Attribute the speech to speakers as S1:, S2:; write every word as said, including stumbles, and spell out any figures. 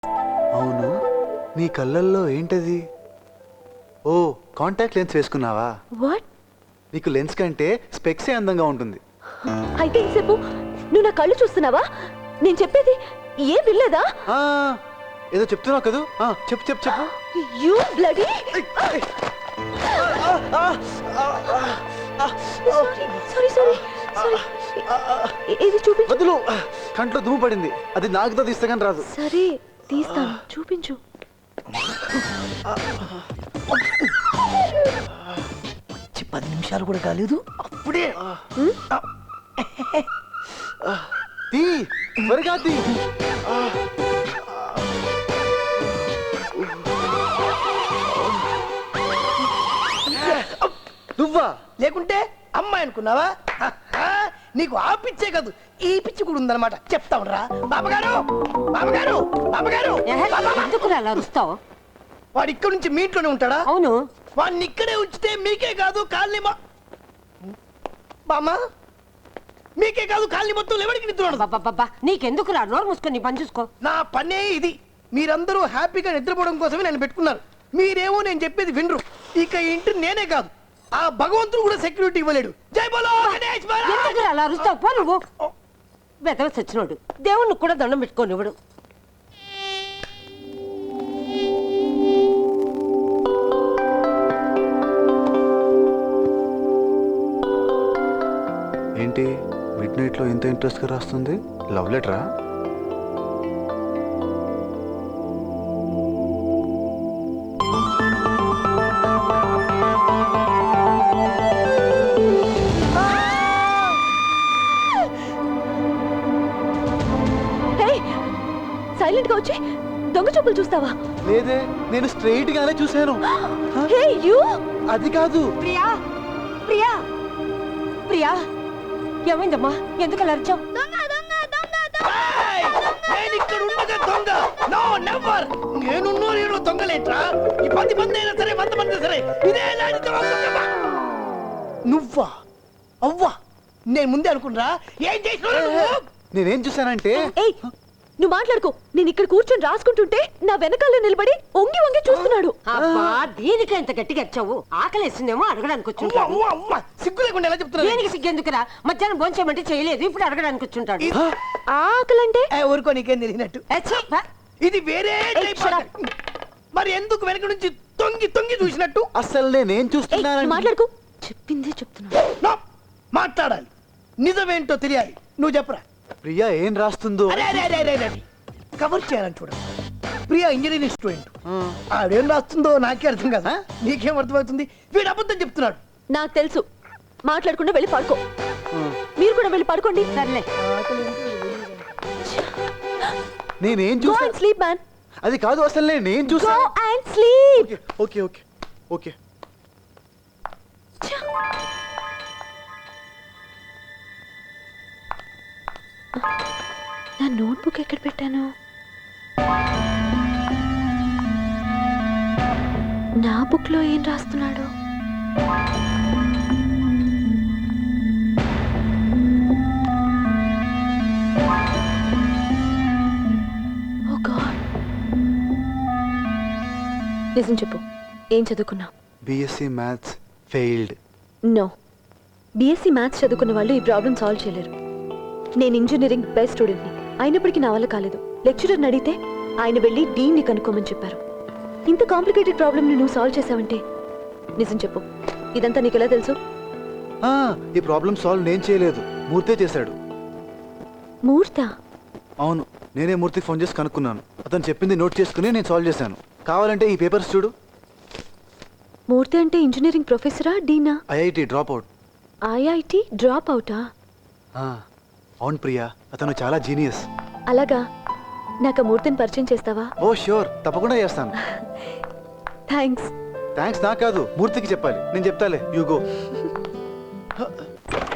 S1: అవును, నీ కళ్ళల్లో ఏంటది? ఓ, కాంటాక్ట్ లెన్స్ వేసుకున్నావా?
S2: వాట్?
S1: నీకు లెన్స్ కంటే స్పెక్సే అందంగా ఉంటుంది.
S2: అయితే ఇంతసేపు నువ్వు నా కళ్ళు చూస్తున్నావా? నేను చెప్పేది ఏం వినలేదా?
S1: ఆ, ఏదో చెప్తున్నావు కదా. ఆ, చెప్పు చెప్పు చెప్పు.
S2: You bloody! Sorry sorry sorry. ఇది చూపించు.
S1: వదులు, కంట్లో దుమ్ము పడింది. అది నాకుతో తీస్తే కానీ రాదు.
S2: సరే తీస్తాను, చూపించు.
S3: పది నిమిషాలు కూడా కాలేదు అప్పుడే
S1: తీ, త్వరగా తీ. నువ్వా?
S3: లేకుంటే అమ్మాయి అనుకున్నావా? నీకు ఆ పిచ్చే కాదు, ఈ పిచ్చి కూడా ఉందన్నమాట. చెప్తావురా బాబగారు, బాబగారు, బాబగారు.
S4: ఎందుకు అలా అరుస్తావు?
S3: వాడు ఇక్కడ నుంచి మీ ఇంట్లోనే ఉంటాడా?
S4: అవును.
S3: వాడిని ఇక్కడే ఉంచితే మీకే కాదు కాలనీ బామ్మ, మీకే కాదు కాలనీ మొత్తం ఎవరికి నిద్ర.
S4: బాబా నీకెందుకు రా, నోరు మూసుకొని నీ పని చూసుకో.
S3: నా పనే ఇది. మీరందరూ హ్యాపీగా నిద్రపోవడం కోసమే నేను పెట్టుకున్నారు. మీరేమో నేను చెప్పేది వినరు. ఇక ఇంటి నేనే కాదు, ఆ భగవంతుడు కూడా సెక్యూరిటీ ఇవ్వలేడు. జై బోలో గణేష్ మహారాజ్.
S4: ఎందుకు అలా అరుస్తావు? పో నువ్వు. వెదవ సచ్చినోడు, దేవుణ్ణి కూడా దండం పెట్టుకోని ఇవ్వడు.
S1: ఏంటి మిడ్ నైట్ లో ఎంత ఇంట్రెస్ట్ గా రాస్తుంది? లవ్ లెటరా?
S2: సైలెంట్ గా వచ్చి దొంగ చూపులు చూస్తావా?
S1: లేదే, నేను స్ట్రైట్ గానే చూశాను.
S2: Hey you!
S1: అది కాదు.
S4: ప్రియా, ప్రియా, ప్రియా, ఏమైందమ్మా? ఎందుకు అలా అరిచావు?
S3: నేను ఇక్కడ ఉండగా దొంగ? No never. నేనున్నో నేను దొంగలేట్రా. ఈ పది మంది అయినా సరే, వంద మంది సరే, ఇదే లాంటి దొంగ. నువ్వా? అవ్వా, నేను ముందే అనుకున్నా. ఏం చేసినావు?
S1: నేనేం చూశానంటే,
S2: ఏయ్ నువ్వు మాట్లాడుకో. నేను ఇక్కడ కూర్చొని రాసుకుంటుంటే నా వెనకాల నిలబడి ఒంగి ఒంగి చూస్తున్నాడు.
S4: అబ్బా, దీనికి ఎంత గట్టిగా వచ్చావు? ఆకలేసిందేమో అడగడానికి వచ్చుంటాడు.
S3: సిగ్గు లేకుండా ఎలా చెప్తున్నా?
S4: దేనికి సిగ్గెందుకురా? మధ్యాహ్నం భోంచేయమంటే చేయలేదు, ఇప్పుడు అడగడానికి వచ్చుంటాడు.
S2: ఆకలంటే
S3: ఊరుకో, నీకేం తెలియనట్టు. ఇది వేరే టైప్. మరి ఎందుకు వెనక నుంచి తొంగి తొంగి చూసినట్టు?
S1: అసలు నేనేం చూస్తున్నాను?
S2: మాట్లాడుకో. చెప్పిందే చెప్తున్నా.
S3: మాట్లాడాలి, నిజమేంటో తెలియాలి. నువ్వు చెప్పరా.
S1: ప్రియా ఏం రాస్తుందో
S3: కవర్ చేయాలని చూడ. Priya engineering student. ఆడేం రాస్తుందో నాకే అర్థం కదా. నీకేం అర్థమవుతుంది? వీడు అబద్ధం చెప్తున్నాడు.
S2: నాకు తెలుసు. మాట్లాడకుండా వెళ్ళి పడుకో. మీరు కూడా వెళ్ళి పడుకోండి.
S4: సర్లే.
S1: నేనేం
S2: Go
S1: చూసా?
S2: and sleep, man.
S1: అది కాదు, అసలు నేనేం చూసా?
S2: Go and sleep.
S1: Okay okay okay.
S2: నా నోట్బుక్ ఎక్కడ పెట్టాను? నా బుక్ లో ఏం రాస్తున్నాడు? Oh God. నిజం చెప్పు, ఏం చదువుకున్నావు?
S1: BSc maths failed.
S2: No, BSc maths చదువుకున్న వాళ్ళు ఈ ప్రాబ్లం సాల్వ్ చేయలేరు. నేను ఇంజనీరింగ్ బెస్ట్ స్టూడెంట్ని, అయినప్పటికీ నా వల్ల కాలేదు. లెక్చరర్ని అడిగితే ఆయన వెళ్ళి డీన్ని కనుక్కోమని చెప్పారు. ఇంత కాంప్లికేటెడ్ ప్రాబ్లమ్ని నువ్వు సాల్వ్ చేసావంటే నిజం చెప్పు, ఇదంతా నీకు ఎలా తెలుసు?
S1: ఈ ప్రాబ్లం సాల్వ్ నేను చేయలేదు, మూర్తే చేశాడు.
S2: మూర్తా?
S1: అవును, నేనే మూర్తికి ఫోన్ చేసి కనుక్కున్నాను. అతను చెప్పింది నోట్ చేసుకుని నేను సాల్వ్ చేశాను. కావాలంటే ఈ పేపర్స్ చూడు.
S2: మూర్తి అంటే ఇంజనీరింగ్ ప్రొఫెసరా, డీనా?
S1: IIT drop out.
S2: IIT drop అవుటా?
S1: అవును ప్రియా, అతను చాలా జీనియస్.
S2: అలాగా, నాకు మూర్తిని పరిచయం చేస్తావా?
S1: ఓ ష్యూర్, తప్పకుండా చేస్తాను.
S2: థ్యాంక్స్.
S1: థ్యాంక్స్ నా కాదు, మూర్తికి చెప్పాలి. నేను చెప్తాలే, యు గో.